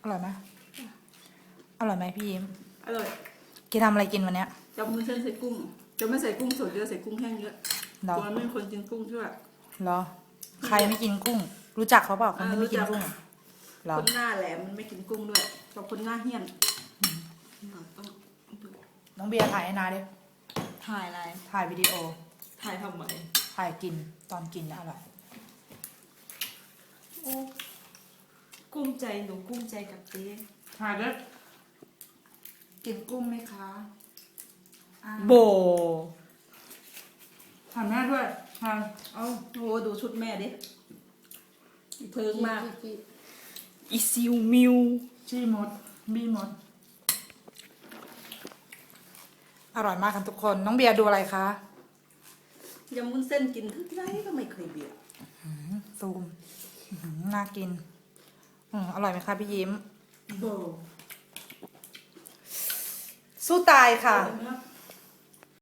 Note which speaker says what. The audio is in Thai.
Speaker 1: อร่อยไหมอร่อยไหมพี่ยิ้ม
Speaker 2: อร่อย
Speaker 1: กินทำอะไรกินวันเนี้ย
Speaker 2: จับมือเส้นใส่กุ้ง จะไม่ใส่กุ้งสดเยอะใส่กุ้งแห้งเยอะ
Speaker 1: เหรอ
Speaker 2: ตัวไม่มีคนกินกุ้งใช่ไหม
Speaker 1: เหรอ ใครไม่กินกุ้ง รู้จักเขาเปล่าคนที่ไม่กินกุ้งเหรอ
Speaker 2: คนหน้าแหลมมันไม่กินกุ้งด้วยกับคนหน้าเหี้ยนต้องดู
Speaker 1: น้องเบียร์ถ่ายให้นาดิ
Speaker 3: ถ่ายอะไร
Speaker 1: ถ่ายวิดีโอ
Speaker 3: ถ่ายทำไม
Speaker 1: ถ่ายกินตอนกินนะอร่อย
Speaker 3: โอ้กุ้มใจหนูกุ้มใจกับเจ๊
Speaker 1: ถ่ายด้วยกินกุ้งไหมคะอ่า
Speaker 3: โบ
Speaker 1: ถ่ายแม่ด้วยถ่าย
Speaker 2: เอาโอ้ดูชุดแม่ดิอีเพิงมาก
Speaker 3: อีซิวมิว
Speaker 1: ชี้มดบีมด อร่อยมากกันทุกคน น้องเบียร์ดูอะไรคะ
Speaker 2: ยำวุ้นเส้นกินที่ไรก็ไม่เคยเบื่อ
Speaker 1: ซูมน่ากินอร่อยไหมคะพี่ยิ้ม
Speaker 2: โบ
Speaker 1: สู้ตายค่ะ
Speaker 2: อร่อยมาก